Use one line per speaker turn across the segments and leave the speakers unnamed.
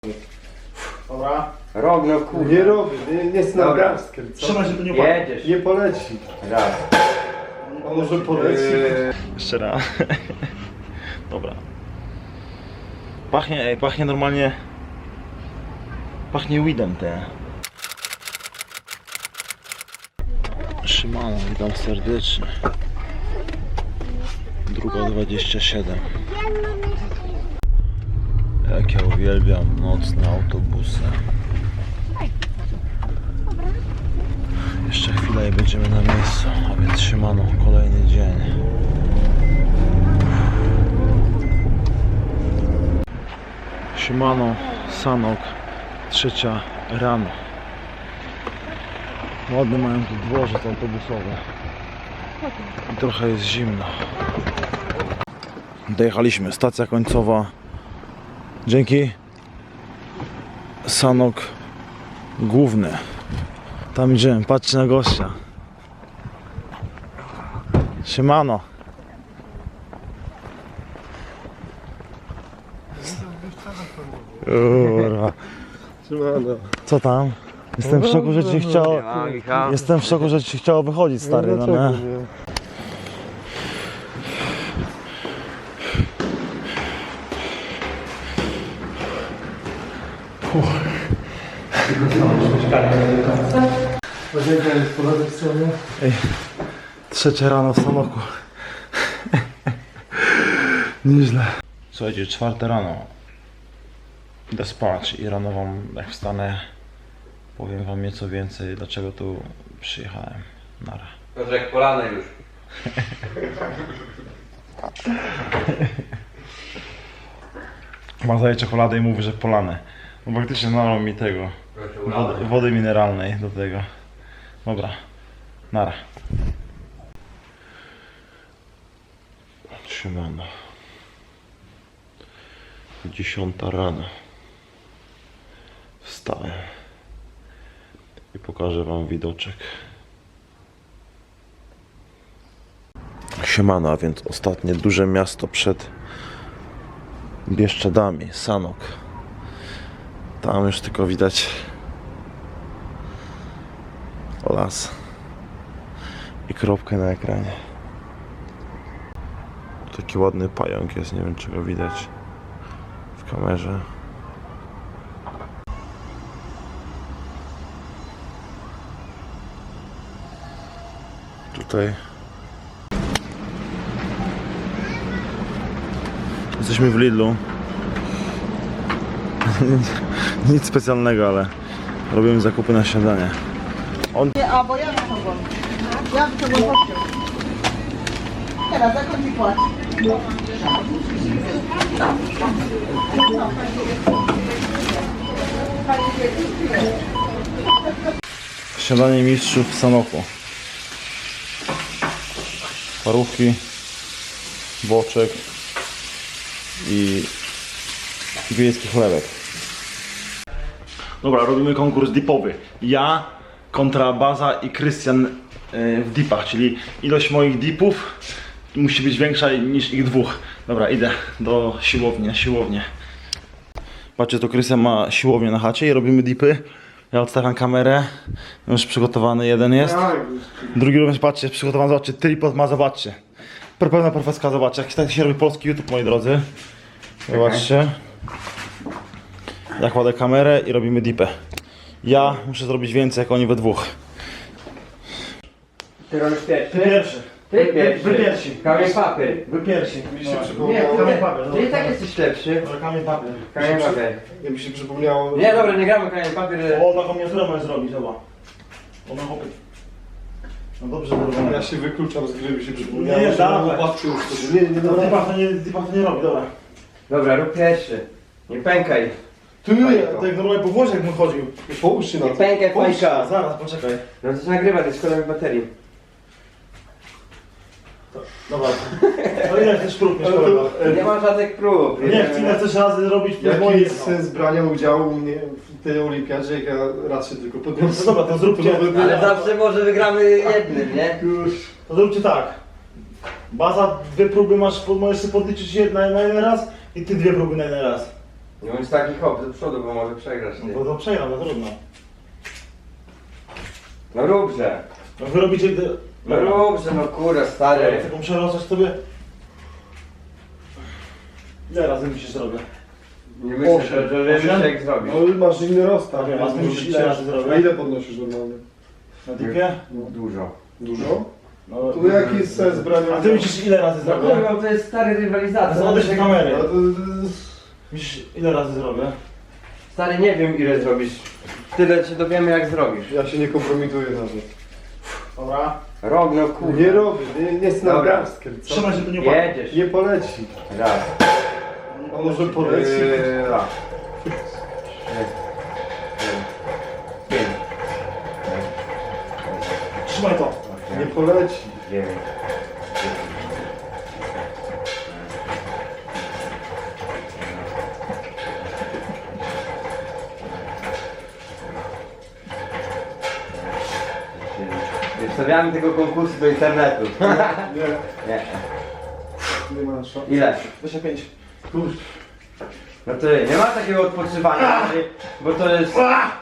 Dobra.
Rok, no kurde.
Nie robię, nie z
Dobra.
nadgarstkiem, co?
Trzymaj się, to nie upadnie.
Jedziesz.
Nie poleci.
Raz.
A może poleci?
Jeszcze raz. Dobra. Pachnie normalnie. Pachnie weedem te. Shimano, witam serdecznie. Druga 27. Jak ja uwielbiam nocne autobusy. Jeszcze chwilę i będziemy na miejscu, a więc Shimano, kolejny dzień. Shimano, Sanok, 3 rano. Ładne mają tu dworzec autobusowy. I trochę jest zimno. Dojechaliśmy, stacja końcowa. Dzięki. Sanok główny. Tam idziemy, patrzcie na gościa. Siemano. Ura.
Trzymano.
Co tam? Jestem w szoku, że ci chciało. Jestem w szoku, że ci chciało wychodzić, stary, no
dlaczego
nie?
nie? Łazienka jest po lewej stronie.
Ej, 3 rano w Sanoku. Nieźle. Słuchajcie, 4 rano. Idę spać i rano wam, jak wstanę, powiem wam nieco więcej, dlaczego tu przyjechałem. Nara.
Piotrek, polane już.
Ma daje czekoladę i mówi, że polane. No faktycznie nalał mi tego. Wody mineralnej do tego. Dobra. Nara. Siemano. 10 rano. Wstałem. I pokażę wam widoczek. Siemano, a więc ostatnie duże miasto przed Bieszczadami, Sanok. Tam już tylko widać las i kropkę na ekranie. Taki ładny pająk jest, nie wiem czy go widać w kamerze. Tutaj jesteśmy w Lidlu. Nic specjalnego, ale robimy zakupy na śniadanie.
Nie, a bo ja wyciągam. Ja wyciągam kościół. Teraz jak on ci płaci?
Śniadanie mistrzów w Sanoku. Parówki, boczek i wiejski chlebek. Dobra, robimy konkurs dipowy. Ja kontra Baza i Krystian w dipach, czyli ilość moich dipów musi być większa niż ich dwóch. Dobra, idę do siłowni, na siłownię. Patrzcie, to Krystian ma siłownię na chacie i robimy dipy. Ja odstawiam kamerę, już przygotowany jeden jest. Drugi również, patrzcie, jest przygotowany, zobaczcie, tripod ma, zobaczcie. Pełna profeska, zobaczcie, jak tak się robi polski YouTube, moi drodzy. Zobaczcie. Ja kładę kamerę i robimy dipę. Ja muszę zrobić więcej, jak oni we dwóch.
Ty robisz pierwszy?
Pierwszy.
Ty pierwszy.
Wy pierwsi.
Kamień papier.
Wy pierwsi.
Mi się
Nie,
przypomniało...
ty i tak jesteś lepszy.
Dobra, kamień papier.
Kamień papier.
Mi się przypomniało...
Nie, dobra, nie gramy kamień papier.
O, taką miniaturę możesz zrobić, zobacz. Ona hopy. No dobrze, dobra.
Ja się wykluczam z gry, mi się przypomniało,
Nie,
że
dawaj.
patrzę już to, nie
No,
dawaj.
dipach to nie robi, dobra.
Dobra, rób pierwszy. Nie pękaj.
Ty, tak normalnie po Włoszech jak bym chodził.
Połóż się na
Nie
to.
pękaj, fajka.
Zaraz, poczekaj.
No to się nagrywa, to jest szkoda mi baterii.
Dobra. No ile chcesz prób mieć, kolego?
Nie ma żadnych prób.
Nie, ile chcesz razy robić
Jaki
moje
jest sens brania udziału w tej olimpiadzie, jak ja raczej tylko
No
podniosę?
dobra, to zróbcie.
Ale zawsze może wygramy jednym, nie?
To zróbcie tak. Baza, 2 próby masz, możesz sobie podliczyć na jeden raz i ty 2 próby na jeden raz.
Nie bądź taki hop do przodu, bo może przegrasz ty.
No to przegram, no trudno.
No róbże.
No wy robicie gdy...
No róbże, no kurwa
Ja
stary.
taką przerosać sobie. Ile razy musisz zrobię?
Nie myślę,
Osiem.
że wiesz
Osiem?
jak zrobić.
No masz inny rozstaw.
Wiem, a ty musisz ile razy zrobić?
A ile podnosisz normalnie?
Na dipie?
Dużo.
Dużo?
No,
Tu jaki jest sens brania?
a ty musisz ile razy
No
zrobię?
kurwa, to jest stary rywalizacja.
Zobaczysz
No,
kamery.
A to-
Musisz ile razy zrobię?
Stary, nie wiem ile zrobisz. Tyle cię dowiemy jak zrobisz.
Ja się nie kompromituję nawet.
Dobra.
Rob, no kurwa.
Nie robię, nie jest na
Dobra.
garstkę. Co?
Trzymaj się tu nie upadnie.
Jedziesz.
Nie poleci.
Raz.
A może poleci?
Raz. Pięć.
Trzymaj to.
Nie poleci.
Dziewięć. Nie wstawiamy tego konkursu do internetu.
Nie,
Nie.
nie ma szans.
Ile?
25.
Kurczę.
No to nie ma takiego odpoczywania, bo to jest...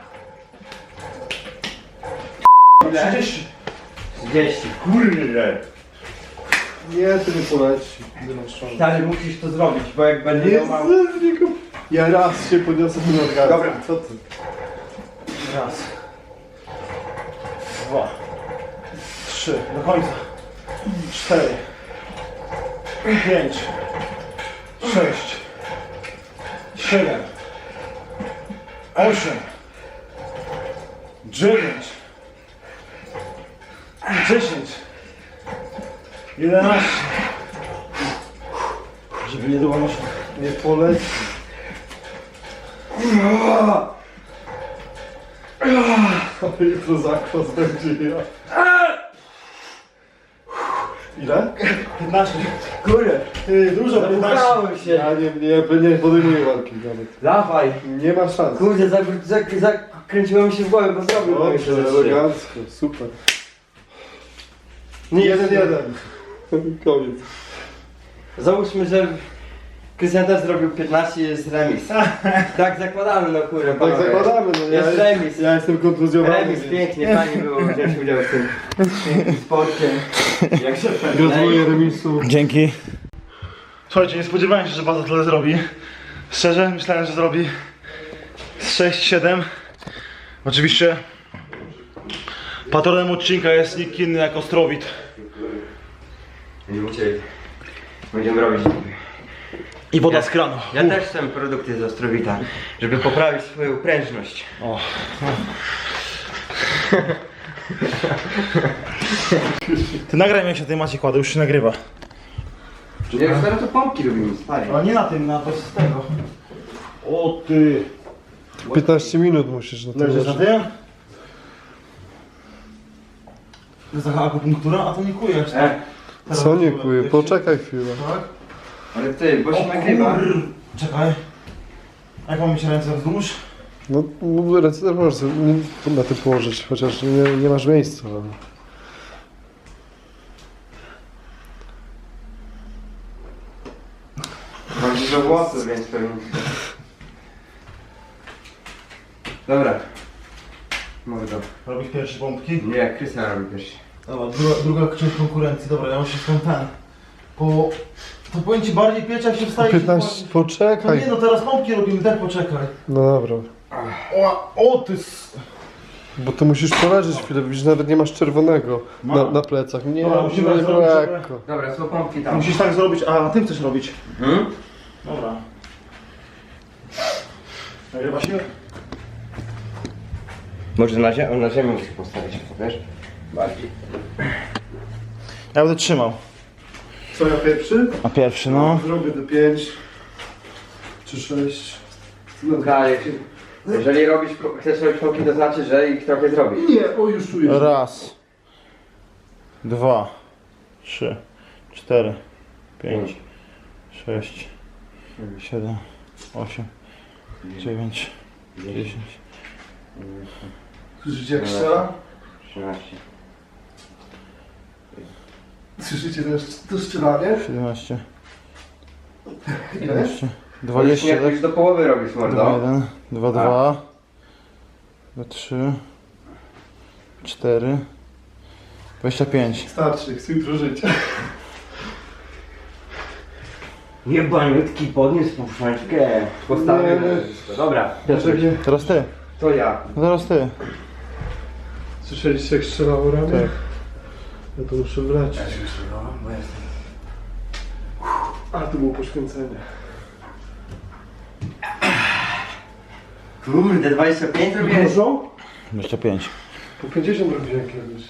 Ile?
30.
30. Kurde.
Nie, to nie poleci. Nie masz szans.
Stary, musisz to zrobić, bo jak będzie miał mało...
Jezu, nie kom- Ja raz się podniosę tu nad garstkę.
Dobra.
Co ty?
Raz. 2. 3. Do końca. 4. 5. 6. 7. 8. 9. 10. 11. Żeby nie było noszę.
Nie poleci. Ale jutro zakwas będzie ja. Ile?
15.
Kurde,
Dużo 15.
zapukałem się.
Ja nie podejmuję walki nawet.
Dawaj.
Nie ma szans.
Kurde, zakręciło mi się w głowę, bo zrobił to jeszcze
Dobrze,
ze trzy.
elegancko, super.
Nic.
1-1. Koniec.
Załóżmy, że Krystian też zrobił 15 i jest remis. Tak zakładamy, no kurde,
Tak
panowie.
zakładamy, no
Jest remis.
Ja jestem kontuzjowany.
Remis,
więc
pięknie, fajnie było wziąć udział w tym pięknym sporcie. Jak się
Gratuluję remisu.
Dzięki. Słuchajcie, nie spodziewałem się, że Baza tyle zrobi. Szczerze, myślałem, że zrobi z 6-7. Oczywiście patronem odcinka jest nikt inny jak Ostrowit.
Nie uciekł. Będziemy robić.
I woda z kranu.
Ja też chcę produkty z Ostrowita, żeby poprawić swoją prężność.
O. Ty nagraj mnie, jak się tej macie kładę, już się nagrywa.
Nie, już teraz to pompki robimy, stary.
Ale nie na tym, na to z tego. O ty.
15 minut musisz na to
Leżysz na
leżeć.
tym? To jest taka akupunktura, a to nie kujesz. tak? Teraz
Co nie
kuje.
kuje? Poczekaj chwilę.
Tak?
Ale ty, bo się
O
nagrywa.
Czekaj. Jak mam mieć ręce wzdłuż?
No ręce też możesz sobie na tym położyć, chociaż nie masz miejsca. Ale...
Mam dużo włosów, więc pewnie. Dobra. Mordo.
Robisz pierwsze pompki?
Nie, Krystian robi pierwszy.
Dobra, druga część konkurencji. Dobra, ja muszę skąd ten. Po... To powiem ci bardziej pieć, jak się wstaje.
15,
No nie
poczekaj.
no, teraz pompki robimy, tak poczekaj.
No dobra.
O ty
Bo to musisz poleżeć chwilę, widzisz, nawet nie masz czerwonego na plecach. Nie,
Dobra, musimy
musimy
zrobić,
lekko.
Dobra, są pompki tam.
Musisz tak zrobić, a ty chcesz robić.
Hmm?
Dobra. Nagrywa się?
Może na ziemię musisz postawić, wiesz? Bardziej.
Ja będę trzymał.
Co ja pierwszy?
A pierwszy, no.
Zrobię te 5 czy 6.
Okej. Jeżeli chcesz robić pompki, to znaczy, że ich trochę zrobisz.
Nie, o już tu jest.
Raz. 2. 3. 4. 5. 6. 7. 8. 9. 10.
Słyszycie jak strzela?
13.
Słyszycie to strzelanie?
17.
Ile?
11.
20,
Już
tak?
już do połowy robisz, mordo.
1, 2, 2, 3, 4, 25.
Starczy, chcę jutro żyć.
Jebaniutki, podniósł puszczkę. Postawię. Dobra,
Dlaczego?
Teraz ty.
to ja.
Zaraz ty.
Słyszeliście jak strzelało ramię?
Tak.
Ja to muszę wlecieć. A, to było poświęcenie.
Kurde, 25 robiłeś?
Dużo?
25.
Po 50 robiłem kiedyś.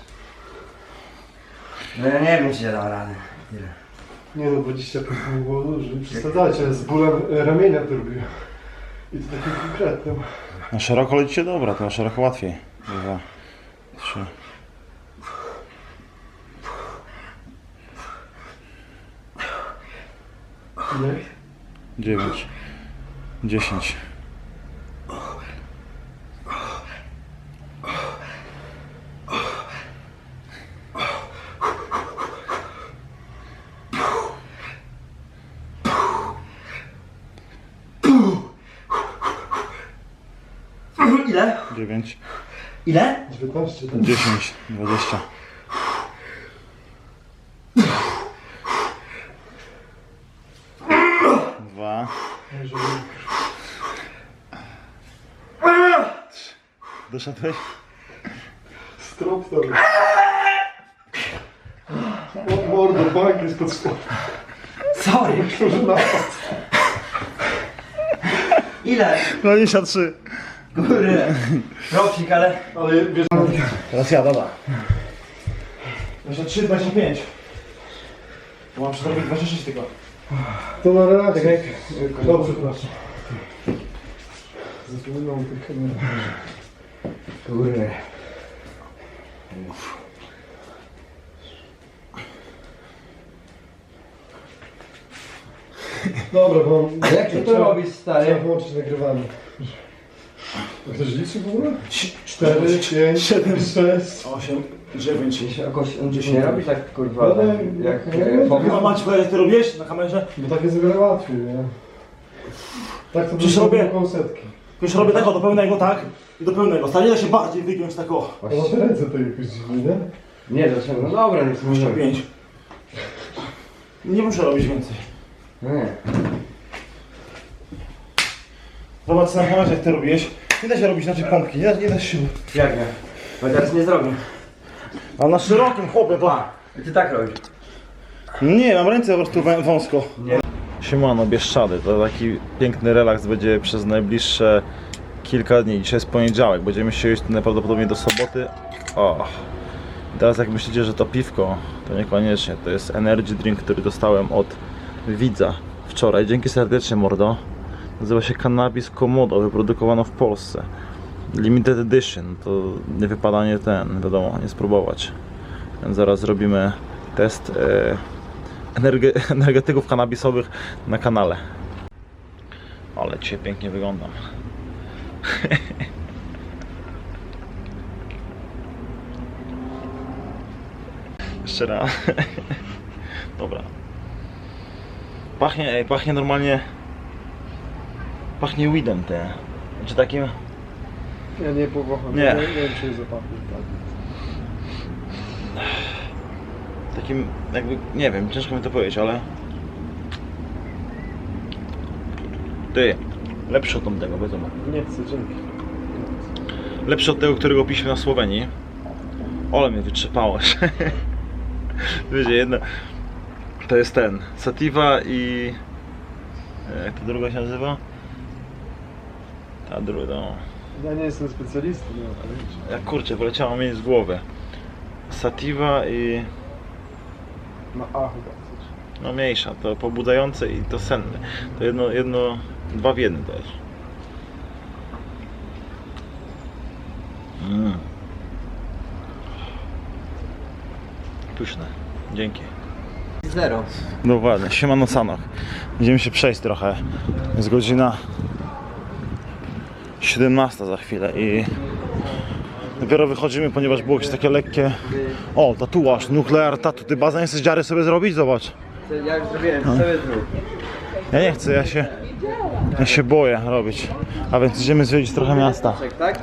No ja nie wiem, czy ja dam radę. Tyle.
Nie no, 25 nie było dużo. Nie przesadzacie, z bólem ramienia to robiłem. I to takim konkretnym.
Na szeroko lecicie dobra, to na szeroko łatwiej. 2, 3.
Nie?
9, 10.
Ile?
9,
Ile?
19, tak?
10, 20. Dwa. Doszedłeś?
Strop tam. O, mordo, bank jest pod spodem.
Sorry.
Może napad.
Ile?
23.
Kurde. Robcik, ale...
Ale wiesz,
Teraz ja, dobra. 23, 25. To mam zrobić 26 tylko.
to na relację. Dobrze, proszę. Zapominam tę kamerę.
Kurde.
Dobra, bo...
A jak ty to robisz,
Trzeba
stary?
włączyć nagrywanie. A ktoś liczy w ogóle? 4, 5, 7, 6.
8, 9.
Jakoś nie robisz tak, kurwa,
No,
jak
A macie powiedzieć, jak ty robisz na kamerze?
Bo tak jest o wiele łatwiej, nie? Tak to
Przecież
by
robię-
około setki.
Już robię tak, do pełnego tak i do pełnego. Stanie się bardziej wygiąć tak o.
A na te ręce to jakoś dziwnie, nie?
Nie, dlaczego? No dobra, nie możemy.
5. Nie muszę robić więcej.
Nie.
Zobacz na kamerze, jak ty robisz. Nie da się robić inaczej pompki, nie da się.
Jak nie? Bo teraz nie zrobię.
A na szerokim chłopie to.
I ty tak robisz.
Nie, mam ręce po prostu wąsko.
Nie.
Siemano, Bieszczady, to taki piękny relaks będzie przez najbliższe kilka dni. Dzisiaj jest poniedziałek, będziemy się jeść najprawdopodobniej do soboty. O. Teraz jak myślicie, że to piwko, to niekoniecznie. To jest energy drink, który dostałem od widza wczoraj. Dzięki serdecznie, mordo. Nazywa się Cannabis Komodo, wyprodukowano w Polsce. Limited edition, to nie wypada wiadomo, nie spróbować. Więc zaraz zrobimy test energetyków kannabisowych na kanale. Ale dzisiaj pięknie wyglądam. Jeszcze raz. Dobra. Pachnie normalnie. Pachnie weedem te. Czy takim?
Ja nie powącham.
Nie.
Nie wiem, czy jest zapachnie.
Takim jakby, nie wiem, ciężko mi to powiedzieć, ale... Ty, lepszy od tamtego, wiadomo.
Nie chcę, dzięki.
Lepszy od tego, którego piliśmy na Słowenii. Ole mnie wytrzepałeś. Wiecie, jedno... To jest ten, Sativa i... Jak to druga się nazywa? Ta druga, no...
Ja nie jestem specjalistą, no, ale wiecie.
Jak kurczę, wyleciało mi z głowy. Sativa i...
Na A chyba coś.
No mniejsza, to pobudzające i to senne. To dwa w jednym to jest. Pyszne. Dzięki.
Zero.
No ładnie, siemano Sanok. Będziemy się przejść trochę. Jest godzina 17 za chwilę i dopiero wychodzimy, ponieważ było jakieś takie lekkie... O, tatuaż, nuklear tatu. Ty Baza nie chcesz dziary sobie zrobić? Zobacz.
Jak zrobiłem, sobie zrób.
Ja nie chcę, ja się... Ja się boję robić. A więc idziemy zwiedzić trochę miasta.
Tak?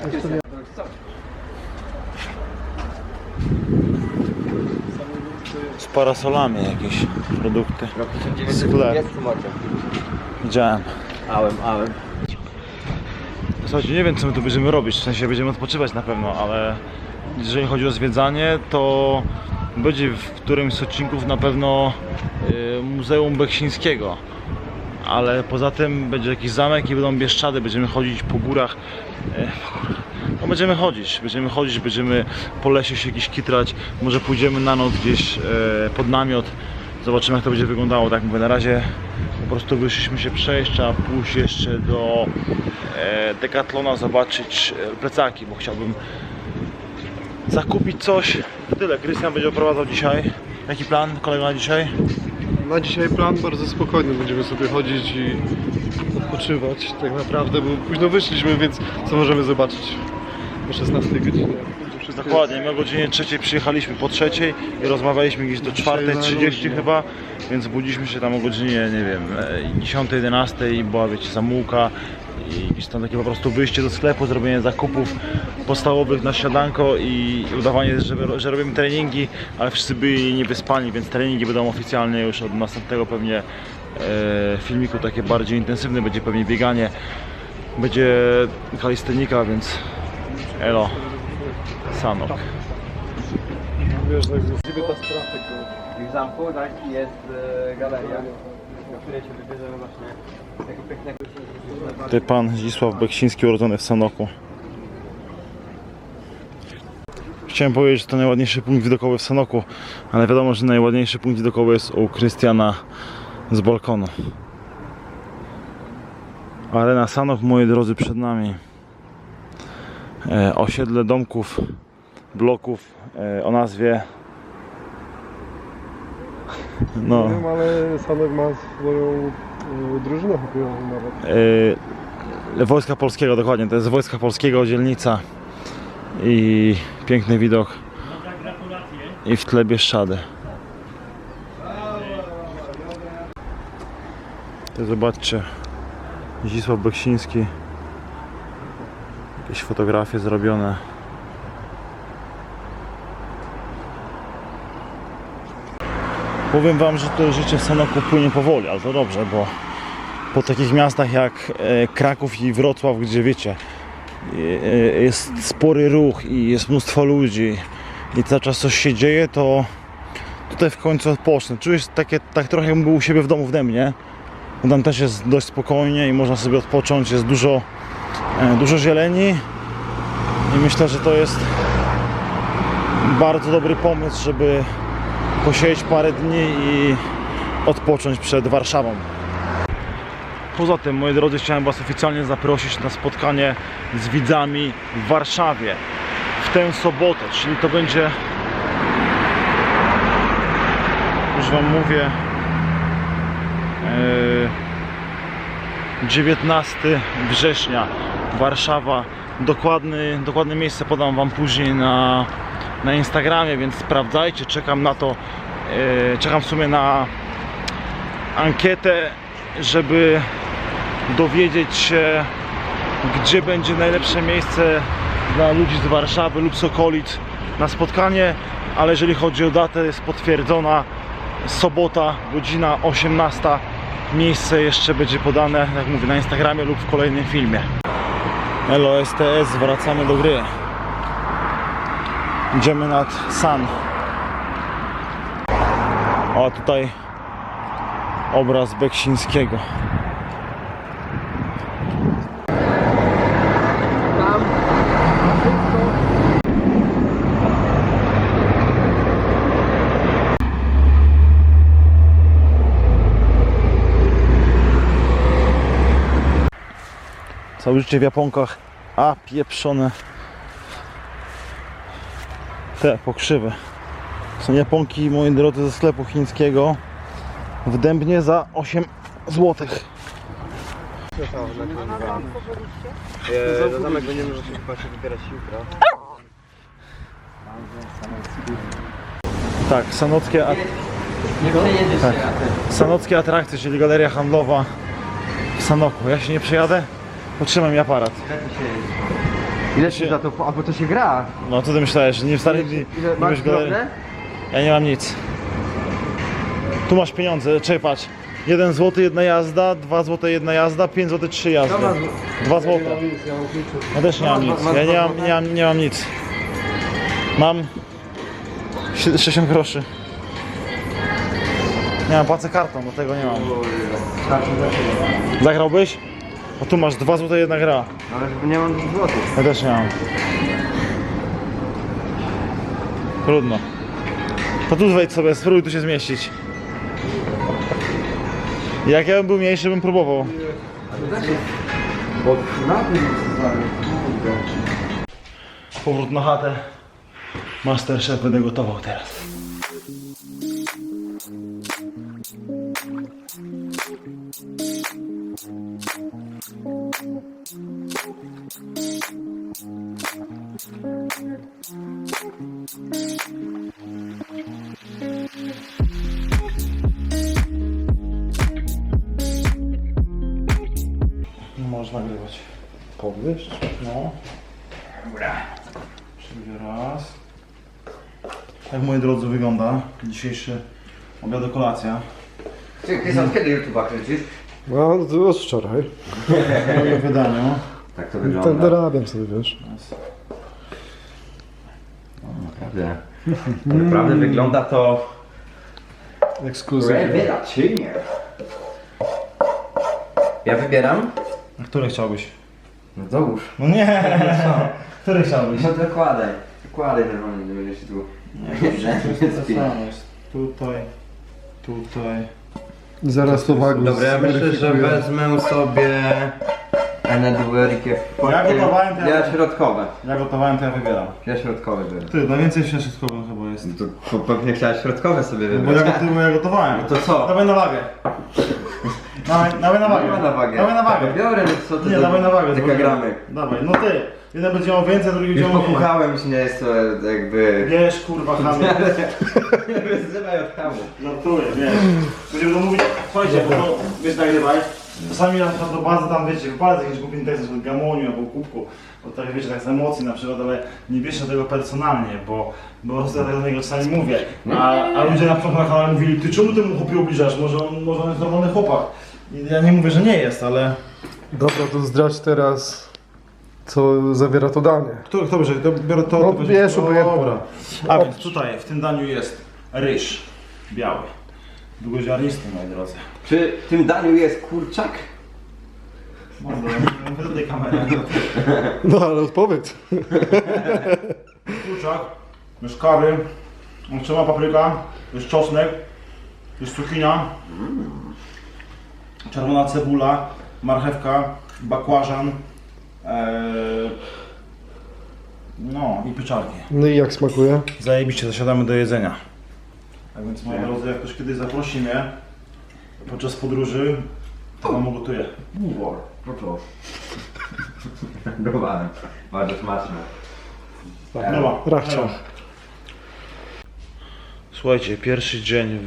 Z parasolami jakieś produkty. Sklep. Widziałem.
Ałem.
Słuchajcie, nie wiem co my tu będziemy robić, w sensie będziemy odpoczywać na pewno, ale jeżeli chodzi o zwiedzanie, to będzie w którymś z odcinków na pewno Muzeum Beksińskiego. Ale poza tym będzie jakiś zamek i będą Bieszczady, będziemy chodzić po górach. No będziemy chodzić, będziemy po lesie się gdzieś kitrać, może pójdziemy na noc gdzieś pod namiot. Zobaczymy jak to będzie wyglądało, tak mówię, na razie po prostu wyszliśmy się przejść, trzeba pójść jeszcze do Decathlona, zobaczyć plecaki, bo chciałbym zakupić coś. Tyle, Krystian będzie oprowadzał dzisiaj. Jaki plan kolega na dzisiaj?
Na dzisiaj plan bardzo spokojny, będziemy sobie chodzić i odpoczywać tak naprawdę, bo późno wyszliśmy, więc co możemy zobaczyć o 16 godzinie.
Dokładnie, my o godzinie 3 przyjechaliśmy po 3 i rozmawialiśmy gdzieś do 4:30 chyba, więc budziliśmy się tam o godzinie, nie wiem, 10-11 i była, wiecie, zamułka i gdzieś tam takie po prostu wyjście do sklepu, zrobienie zakupów podstawowych na śniadanko i udawanie, że robimy treningi, ale wszyscy byli niewyspani, więc treningi będą oficjalnie już od następnego pewnie filmiku, takie bardziej intensywne, będzie pewnie bieganie, będzie kalistenika, więc elo. Sanok.
Wiesz, tak z 19 lat tego.
W zamku, tak, jest galeria, do której się wybierzemy właśnie tego pięknego...
Tutaj pan Zdzisław Beksiński, urodzony w Sanoku. Chciałem powiedzieć, że to najładniejszy punkt widokowy w Sanoku, ale wiadomo, że najładniejszy punkt widokowy jest u Krystiana z balkonu. Arena Sanok, moi drodzy, przed nami. Osiedle domków, bloków o nazwie... No.
Nie wiem, ale Sanek ma swoją drużynę hokejową nawet.
Wojska Polskiego, dokładnie, to jest Wojska Polskiego, dzielnica i piękny widok i w tle Bieszczady. To zobaczcie, Zdzisław Beksiński, jakieś fotografie zrobione. Powiem wam, że to życie w Sanoku płynie powoli, ale to dobrze, bo po takich miastach jak Kraków i Wrocław, gdzie wiecie, jest spory ruch i jest mnóstwo ludzi i cały czas coś się dzieje, to tutaj w końcu odpocznę. Czuję się tak trochę jakbym był u siebie w domu w Dębnie. Tam też jest dość spokojnie i można sobie odpocząć, jest dużo zieleni i myślę, że to jest bardzo dobry pomysł, żeby posiedzieć parę dni i odpocząć przed Warszawą. Poza tym, moi drodzy, chciałem was oficjalnie zaprosić na spotkanie z widzami w Warszawie w tę sobotę, czyli to będzie, już wam mówię, 19 września, Warszawa. Dokładne miejsce podam wam później na Instagramie, więc sprawdzajcie, czekam na to, czekam w sumie na ankietę, żeby dowiedzieć się, gdzie będzie najlepsze miejsce dla ludzi z Warszawy lub z okolic na spotkanie, ale jeżeli chodzi o datę, jest potwierdzona sobota, godzina 18. Miejsce jeszcze będzie podane, jak mówię, na Instagramie lub w kolejnym filmie. Elo STS, wracamy do gry. Idziemy nad San. O, tutaj obraz Beksińskiego. Całe życie w japonkach, a pieprzone te pokrzywy. Są japonki, moi drodzy, ze sklepu chińskiego w Dębnie za 8 zł.
Do zamek będziemy chyba się wybierać jutro.
Tak, sanockie atrakcje, czyli galeria handlowa w Sanoku. Ja się nie przejadę, potrzymaj mi aparat.
Ile się za to, albo to się gra?
No co ty myślałeś, że nie w starych dni
Ile
nie
masz
wiesz galerii?
drobne?
Ja nie mam nic. Tu masz pieniądze, czekaj patrz. 1 zł jedna jazda, 2 zł jedna jazda, 5 zł 3 jazdy. 2 zł.
Ja mam nic, ja mam klucze.
Ja też nie mam nic. Ja nie mam nic. Mam 60 groszy. Nie mam, płacę kartą, do tego nie mam. Zagrałbyś? A tu masz 2 zł jedna gra.
Ale żeby nie mam 2 złotych.
Ja też nie mam. Trudno. To tu wejdź sobie, spróbuj tu się zmieścić. Jak ja bym był mniejszy, bym próbował.
Bo na tym
Powrót na chatę. Masterchef będę gotował teraz. Możesz nagrywać. Podwyższ? No. Dobra. Czyli raz. Tak, moi drodzy, wygląda dzisiejszy obiad, kolacja.
Ty, Krystian, kiedy YouTube'a kręcisz?
No, to od wczoraj.
W moim wydaniu.
Tak to
Tak
wygląda.
dorabiam sobie, wiesz.
Naprawdę. Naprawdę wygląda to
Ekskluzywnie.
rewelacyjnie. Ja wybieram?
A który chciałbyś?
No dołóż.
No nie! Który chciałbyś?
No dokładaj. Dokładaj normalnie, nie będziesz tu.
Tutaj, tutaj.
I zaraz to wagus.
Dobra, ja myślę, że wezmę sobie Eneduerikę.
Ja gotowałem, to ja-
Ja środkowe.
Ja gotowałem, to ja wybieram.
Ja środkowe biorę.
Ty, najwięcej w środkowym chyba jest.
No to pewnie chciałeś środkowe sobie
Bo
wybrać.
ja gotowałem.
No to co?
Dawaj na wagę. Dawaj na wagę.
Nie ma na wagę.
Dawaj na wagę.
Biorę, no co ty
Nie,
za
dawaj na wagę.
dekagramy.
Dawaj, no ty. Jeden będzie miał więcej, drugi będzie
Już
miał mniej.
pokuchałem, już nie jest to jakby...
Wiesz, kurwa, chamie.
Nie wyzywaj od hamu.
Żartuję, wiesz. Będziemy to mówić, słuchajcie, bo to, wiesz, nagrywaj. Czasami na przykład do bazy tam, wiecie, wypalę jakiś głupi tekst o gamoniu albo kubku, bo tak, wiecie, tak z emocji na przykład, ale nie bierzcie tego personalnie, bo po prostu ja tak do niego czasami mówię. A ludzie na przykład na kanale mówili, ty czemu temu chłopie ubliżasz? Może on jest normalny chłopak. I ja nie mówię, że nie jest, ale...
Dobra, to zdradź teraz, co zawiera to danie.
Kto bierze? To biorę to.
No,
to
bierz, obojętnie.
dobra. A więc tutaj w tym daniu jest ryż biały. Długoziarnisty, moi drodzy.
Czy w tym daniu jest kurczak?
Mówię do tej kamery.
No ale odpowiedz.
Kurczak, jest kary, trzeba papryka, jest czosnek, jest cukinia, czerwona cebula, marchewka, bakłażan, no i pieczarki.
No i jak smakuje?
Zajebiście, zasiadamy do jedzenia. Tak więc moi drodzy, jak ktoś kiedyś zaprosi mnie podczas podróży, to wam ugotuję.
Bułor. No to. Próbowałem. Bardzo smaczne.
Dobra,
Rachciach.
Słuchajcie, pierwszy dzień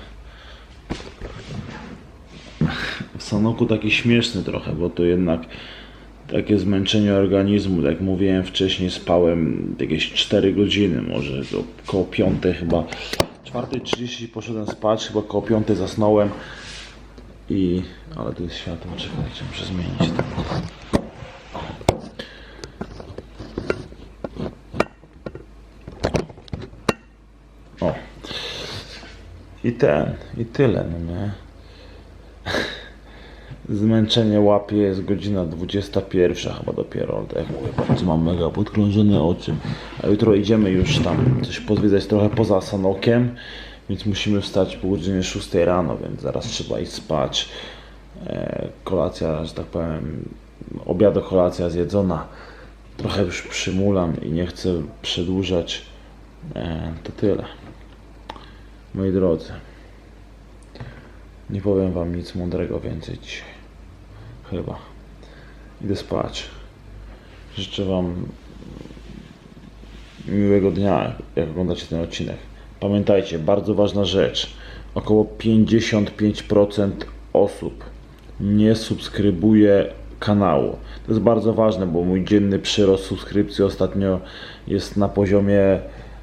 w Sanoku taki śmieszny trochę, bo to jednak takie zmęczenie organizmu. Jak mówiłem wcześniej, spałem jakieś 4 godziny, może to koło 5 chyba. 4:30 poszedłem spać, chyba koło 5 zasnąłem. Ale tu jest światło, czekajcie, muszę zmienić to. O. I tyle, no nie? Zmęczenie łapie, jest godzina 21 chyba dopiero, ale tak jak mówię, bardzo mam mega podkrążone oczy. A jutro idziemy już tam coś pozwiedzać trochę poza Sanokiem, więc musimy wstać po godzinie 6 rano, więc zaraz trzeba iść spać. Kolacja, że tak powiem, obiad, kolacja zjedzona. Trochę już przymulam i nie chcę przedłużać. To tyle. Moi drodzy, nie powiem wam nic mądrego więcej dzisiaj. Chyba. Idę spać. Życzę wam miłego dnia, jak oglądacie ten odcinek. Pamiętajcie, bardzo ważna rzecz. Około 55% osób nie subskrybuje kanału. To jest bardzo ważne, bo mój dzienny przyrost subskrypcji ostatnio jest na poziomie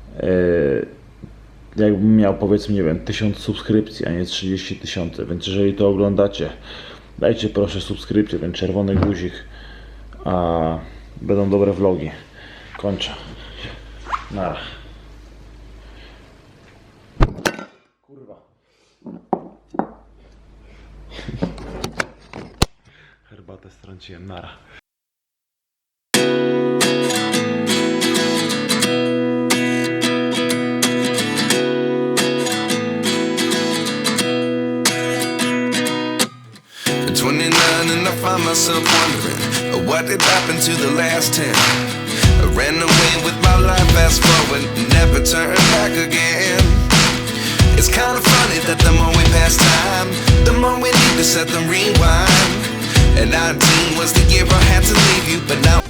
jakbym miał, powiedzmy, nie wiem, 1000 subskrypcji, a nie 30 000, więc jeżeli to oglądacie, dajcie proszę subskrypcję, ten czerwony guzik, a będą dobre vlogi. Kończę. Nara. Kurwa. Herbatę strąciłem. Nara.
At 29 and I find myself wondering what did happen to the last 10. I ran away with my life, fast forward, never turn back again. It's kind of funny that the more we pass time, the more we need to set the rewind. And 19 was the year I had to leave you, but now